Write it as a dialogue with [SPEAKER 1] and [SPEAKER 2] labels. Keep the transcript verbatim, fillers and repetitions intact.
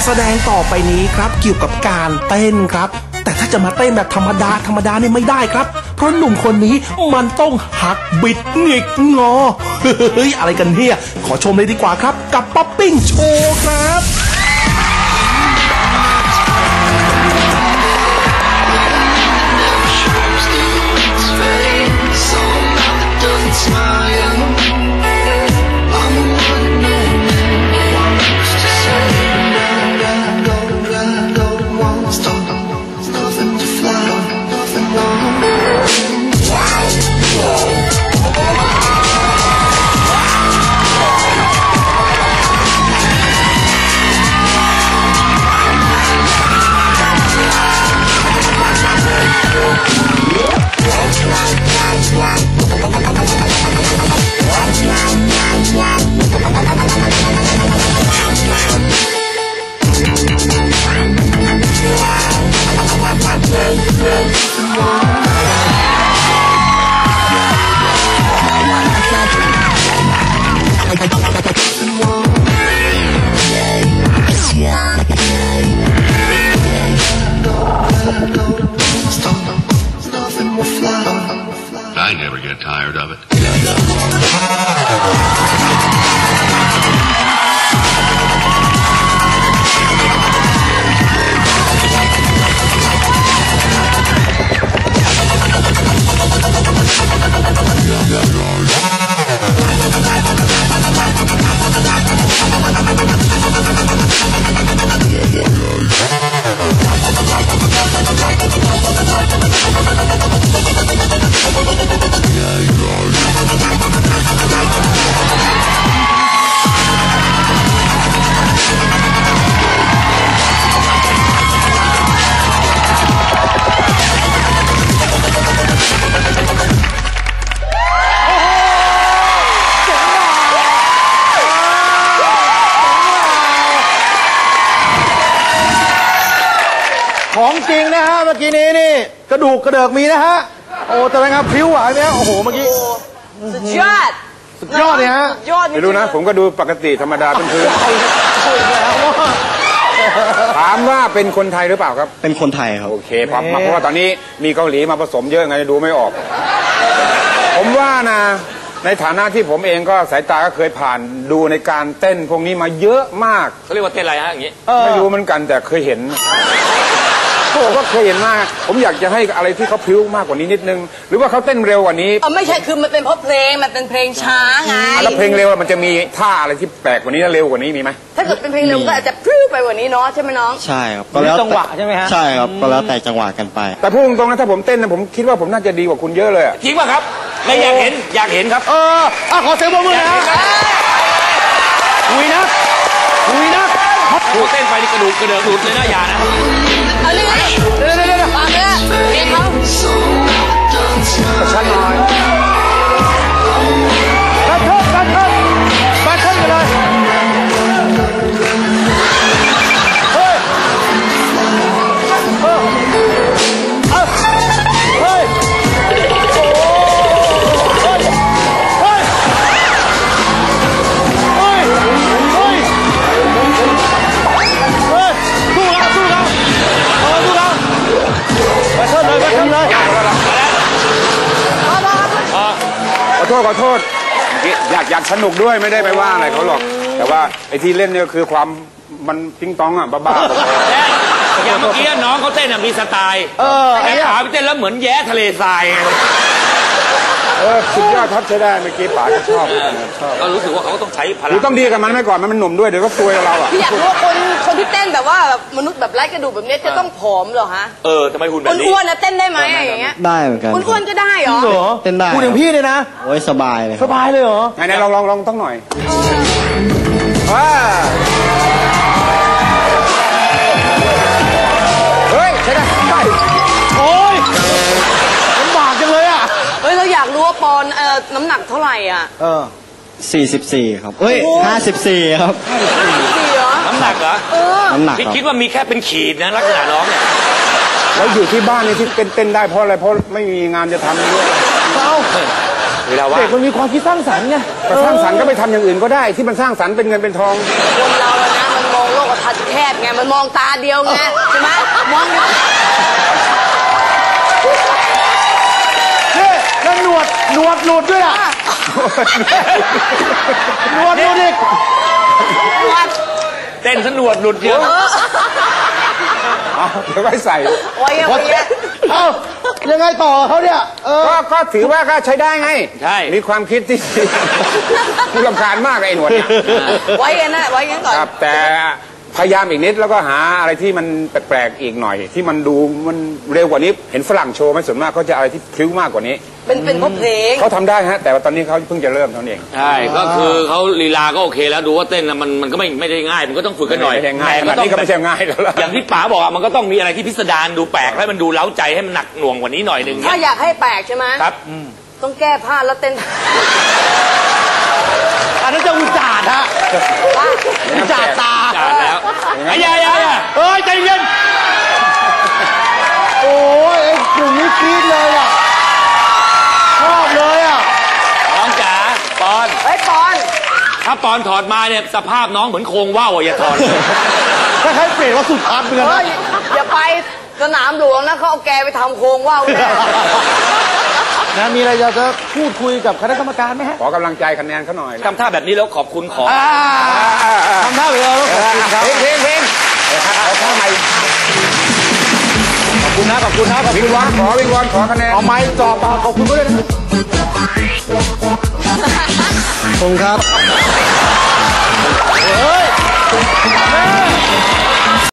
[SPEAKER 1] แสดงต่อไปนี้ครับเกี่ยวกับการเต้นครับแต่ถ้าจะมาเต้นแบบธรรมดาธรรมดาเนี่ยไม่ได้ครับเพราะหนุ่มคนนี้มันต้องหักบิดหงิกงอเฮ้ยอะไรกันเนี่ยขอชมเลยดีกว่าครับกับป๊อปปิ้งโชว์ครับ
[SPEAKER 2] I never get tired of it.
[SPEAKER 3] ของจริงนะฮะเมื่อกี้นี้นี่กระดูกกระเดิกมีนะฮะโอ้แต่เป็นไงพริ้วไหวไหมโอ้โหเมื่อกี้
[SPEAKER 4] สุดยอด
[SPEAKER 3] สุดยอดเลยฮะ
[SPEAKER 4] ยอด
[SPEAKER 5] ไม่รู้นะผมก็ดูปกติธรรมดาเป็นพื้นถามว่าเป็นคนไทยหรือเปล่าครับ
[SPEAKER 6] เป็นคนไทยครับ
[SPEAKER 5] โอเคปั๊บมาเพราะว่าตอนนี้มีเกาหลีมาผสมเยอะไงดูไม่ออกผมว่านะในฐานะที่ผมเองก็สายตาก็เคยผ่านดูในการเต้นพวกนี้มาเยอะมาก
[SPEAKER 7] เขาเรียกว่าเต้นอะไรฮะอย่างนี้
[SPEAKER 5] ไม่รู้เหมือนกันแต่เคยเห็นผมก็เคยเห็นมากผมอยากจะให้อะไรที่เขาพริ้วมากกว่านี้นิดนึงหรือว่าเขาเต้นเร็วกว่านี้
[SPEAKER 4] อ๋อไม่ใช่คือมันเป็นเพราะเพลงมันเป็นเพลงช้าไง
[SPEAKER 5] แล้วเพลงเร็วมันจะมีท่าอะไรที่แปลกกว่านี้เร็วกว่านี้มีไหม
[SPEAKER 4] ถ้าเกิดเป็นเพลงเร็วก็อาจจะพริ้วไปกว่านี้เนาะใช่ไหมน้อง
[SPEAKER 6] ใช่ครับก็แล้วจังหวะใช่ไหมฮะใช่ครับก็แล้วแต่จังหวะกันไป
[SPEAKER 5] แต่พูดตรงๆนะถ้าผมเต้นนะผมคิดว่าผมน่าจะดีกว่าคุณเยอะเลย
[SPEAKER 7] จริงป่ะครับไม่อยากเห็นอยากเห็นครับ
[SPEAKER 3] เอออ่ะขอเสียงปรบมือนะคุยนะคุยนะ
[SPEAKER 7] โอ้เต้นไปนี่กระดูกกระเดิกหลุดเลยนะอย่านะ
[SPEAKER 4] เอาเลยเดี๋ยวเดี๋ยวเดี๋ยวฟังเลยเพลงเขา
[SPEAKER 5] ชันหน่อย
[SPEAKER 3] บัตเทิลบัตเทิลบัตเทิลกันเลยเฮ้ยเฮ้ยเฮ้ยโอ้เฮ้ยเฮ้ยเฮ้ยเฮ้ยเฮ้ยสู้แล้วสู้แล้วเออสู้แล้วบัตเทิลเลยบัตเทิลเลย
[SPEAKER 5] ขอโทษขอโทษอยากอยากสนุกด้วยไม่ได้ไปว่าอะไรเขาหรอกแต่ว่าไอ้ที่เล่นเนี่ยคือความมันติ้งต้องอ่ะบ้า
[SPEAKER 7] ๆอย่างเมื่อกี้น้องเขาเต้นมีสไตล์แต่ขาไปเต้นแล้วเหมือนแย้ทะเลทราย
[SPEAKER 5] เออสุดยอดทับใช้ได้เมื่อกี้ป๋าก็ชอบ
[SPEAKER 7] ชอบก็รู้สึกว่าเขาต้องใช้พลัง
[SPEAKER 5] ต้องดีกับมันไม่ก่อนมันมันหนุ่มด้วยเดี๋ยวก็ซวยเราอ่ะ
[SPEAKER 4] พี่อยากรู้ว่าคนคนที่เต้นแบบว่าแบบมนุษย์แบบไร้กระดูกแบบนี้จะต้องผอมเหรอฮะ
[SPEAKER 7] เออทำไมหุ่นแบบนี้
[SPEAKER 4] อ้วนๆนะเต้นได้ไหมอย่างเงี้ย
[SPEAKER 6] ได้เหมือนกัน
[SPEAKER 4] อ้วนๆก็ได้เหรอ
[SPEAKER 6] เต้นได้
[SPEAKER 3] พูดถึงพี่เลยนะ
[SPEAKER 6] โอ้ยสบายเลย
[SPEAKER 3] สบายเลยเหรอ
[SPEAKER 5] ไหนๆลองลองลองต้องหน่อยว้าเฮ้ยใช่ได้ใช่
[SPEAKER 3] โอ้ยลำบากจังเลยอ่ะ
[SPEAKER 4] เฮ้ยเราอยากรู้ว่าปอนเอ่อน้ำหนักเท่าไหร่อ่ะ
[SPEAKER 6] เออสี่สิบสี่ครับเฮ้ยห้าสิบสี่ครับ
[SPEAKER 4] ห้าสิบสี่เหรอ
[SPEAKER 7] น้ำหนักเหรอ
[SPEAKER 4] เออ
[SPEAKER 6] น้ำหนัก
[SPEAKER 7] พี่คิดว่ามีแค่เป็นขีดนะลักษณะน้องเนี่ย
[SPEAKER 5] แล้วอยู่ที่บ้านนี่ที่เต้นเต้นได้เพราะอะไรเพราะไม่มีงานจะทำด้วย
[SPEAKER 3] เอ้า
[SPEAKER 7] เวลาว่า
[SPEAKER 3] เด็กมันมีความคิดสร้างสรรค์ไง
[SPEAKER 5] สร้างสรรค์ก็ไปทำอย่างอื่นก็ได้ที่มันสร้างสรรค์เป็นเงินเป็นทอง
[SPEAKER 4] คนเราอะนะมันมองโลกทัศน์แคบไงมันมองตาเดียวไงใช่ไหมมอง
[SPEAKER 3] นี่แล้วหนวดหนวดหลุดด้วยอ่ะหนวดหลุดอีก
[SPEAKER 7] เต้นสนวดหลุดเยอะ
[SPEAKER 5] เอาเดี๋ยวไว้ใส่
[SPEAKER 4] โอ้ยโอ้ย
[SPEAKER 3] เอ้ายังไงต่อเขาเนี่ยเออ
[SPEAKER 5] ก็ก็ถือว่าก็ใช้ได้ไง
[SPEAKER 7] ใช่
[SPEAKER 5] มีความคิดที่ ผู้รำคาญมากไอ้หนวดเนี่ย
[SPEAKER 4] ไว้กันนะไว้กันก่อน
[SPEAKER 5] ครับแต่พยายามอีกนิดแล้วก็หาอะไรที่มันแปลกๆอีกหน่อย ที่มันดูมันเร็วกว่านี้เห็นฝรั่งโชว์ไหมส่วนมากเขาจะอะไรที่พลิ้วมากกว่านี้
[SPEAKER 4] เป็นเป็นเพราะเพลง
[SPEAKER 5] เขาทำได้ฮะแต่ว่าตอนนี้เขาเพิ่งจะเริ่มเท่านั้นเอง
[SPEAKER 7] ใช่ก็คือเขาลีลาก็โอเคแล้วดูว่าเต้นนะมันมันก็ไม่ไม่ได้ง่ายมันก็ต้องฝึกกันหน่อย
[SPEAKER 5] ไม่ได้ง่าย
[SPEAKER 7] แต่
[SPEAKER 5] ขนาดนี้ก็ไม่ใช่ง่ายแล้วล่ะ
[SPEAKER 7] อย่างที่ป๋าบอกอะมันก็ต้องมีอะไรที่พิสดารดูแปลกให้มันดูเล้าใจให้มันหนักหน่วงกว่านี้หน่อยหนึ่ง
[SPEAKER 4] ถ้าอยากให้แปลกใช่ไหม
[SPEAKER 7] ครับ
[SPEAKER 4] ต้องแก้ผ้าแล้วเต้น
[SPEAKER 3] อันนั้นจะอุจจาระฮะอุจจาระตา
[SPEAKER 7] จ่าแล้วไอ้ยายายา
[SPEAKER 3] เอ้ยใจเย็นโอ้ยไอ้กลุ่มนี้กรี๊ดเลยอ่ะชอบเลยอ่ะ
[SPEAKER 7] น้องจ๋าปอน
[SPEAKER 4] เฮ้ยปอน
[SPEAKER 7] ถ้าปอนถอดมาเนี่ยสภาพน้องเหมือนโครงว่าวอะอย่าถอด
[SPEAKER 3] คล้ายๆเปรตว่าสุดทันเหมือนกัน
[SPEAKER 4] เฮ้
[SPEAKER 3] นะ
[SPEAKER 4] ยอย่าไปสนามหลวงนะเขาเอาแกไปทำโครงว่าวแน่
[SPEAKER 3] นะมีอะไรอยากจะพูดคุยกับคณะกรรมการไหมฮะ
[SPEAKER 5] ขอกำลังใจคะแนนเขาหน่อย
[SPEAKER 7] ทำท่าแบบนี้แล้วขอบคุณขอ
[SPEAKER 3] อ่าทำท่าไปเลยแล้วขอบคุณครับ
[SPEAKER 5] เพลงเพลงเพลงเอาท่าใหม่
[SPEAKER 3] ขอบคุณนะขอบคุณนะขอบ
[SPEAKER 5] วิ
[SPEAKER 3] คุ
[SPEAKER 5] ง
[SPEAKER 3] ณ
[SPEAKER 5] วอนขอวิงวอนขอคะแนน
[SPEAKER 3] เอาไม้จ่อปากขอบคุณด้วยนะ
[SPEAKER 6] ผมครับ
[SPEAKER 3] เฮ้ย